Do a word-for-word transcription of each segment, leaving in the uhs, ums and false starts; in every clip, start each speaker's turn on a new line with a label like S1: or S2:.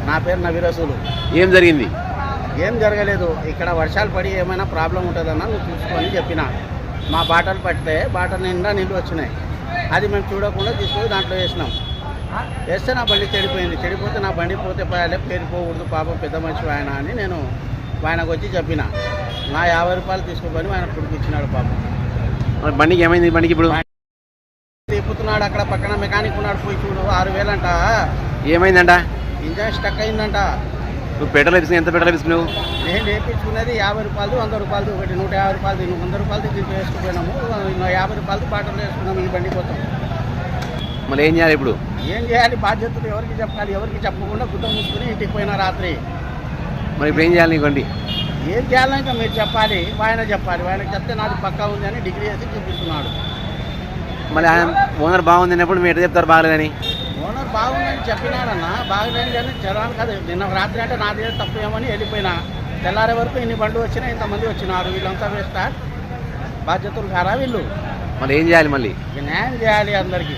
S1: నా పేరు నవీరసులు.
S2: ఏం జరిగింది?
S1: ఏం జరగలేదు. ఇక్కడ వర్షాలు పడి ఏమైనా ప్రాబ్లం ఉంటుందన్నా నువ్వు చూసుకొని చెప్పిన. మా బాటలు పడితే బాటలు నిండా నీళ్ళు వచ్చినాయి. అది మేము చూడకుండా తీసుకొని దాంట్లో వేసినాం. వేస్తే నా బండి చెడిపోయింది. చెడిపోతే నా బండి పోతే పోయాలి, పేరుకోకూడదు పాపం పెద్ద మనిషి ఆయన అని నేను ఆయనకు వచ్చి చెప్పిన. నా యాభై రూపాయలు తీసుకుని ఆయన కొడుకు ఇచ్చినాడు పాపం.
S2: బండికి ఏమైంది? బండికి ఇప్పుడు
S1: తిప్పుతున్నాడు. అక్కడ పక్కన మెకానిక్ ఉన్నాడు, పోయి చూడు. ఆరు వేలంట.
S2: ఏమైందంట?
S1: ఇంజన్ స్టక్ అయిందంట.
S2: నువ్వు పెట్రోల్ వేసుకుని ఎంత పెట్రోల్ వేసుకున్నావు?
S1: నేను వేయించుకున్నది యాభై రూపాయలు, వంద రూపాయలు, ఒకటి నూట యాభై రూపాయలు, నువ్వు వంద రూపాయలు దీంట్లో వేసుకుపోయినాము. యాభై రూపాయలు బాటలు వేసుకున్నాము ఈ బండి కోసం.
S2: మళ్ళీ ఏం చేయాలి ఇప్పుడు?
S1: ఏం చేయాలి? బాధ్యతలు ఎవరికి చెప్పాలి? ఎవరికి చెప్పకుండా గుడ్డ మూసుకుని ఇంటికి పోయినా రాత్రి.
S2: మరి ఇప్పుడు ఏం చేయాలి? నీ బండి
S1: ఏం చేయాలి? ఇంకా మీరు చెప్పాలి, ఆయన చెప్పాలి. ఆయనకు చెప్తే నాది పక్కా ఉంది అని డిగ్రీ వేసి చూపిస్తున్నాడు.
S2: మళ్ళీ ఆయన ఓనర్ బాగుంది అన్నప్పుడు మీరు ఎట్లా చెప్తారు బాగలేదని?
S1: ఓనర్ బాగుందని చెప్పినాడన్నా. బాగలేదు కానీ చదవాలి కదా. నిన్న రాత్రి అంటే నాది తప్పు ఏమని వెళ్ళిపోయినా. తెల్లారే వరకు ఇన్ని బండ్లు వచ్చినా, ఇంతమంది వచ్చినారు. వీళ్ళంతా వేస్తా బాధ్యతలు కారా వీళ్ళు?
S2: మళ్ళీ ఏం చేయాలి? మళ్ళీ
S1: న్యాయం చేయాలి అందరికీ.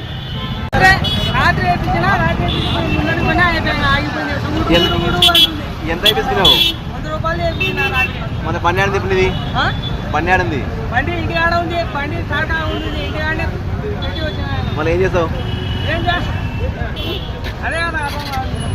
S2: ఎంత అయిపోయినావు? మన బండి ఆడింది ఇప్పుడు ఇది బండి ఆడింది
S3: బండి ఇంటి ఆడ ఉంది. బండి సాటా ఉంది ఇంటి ఆడే.
S2: మళ్ళీ ఏం చేస్తావు?
S3: ఏం చేస్తా అదే కదా.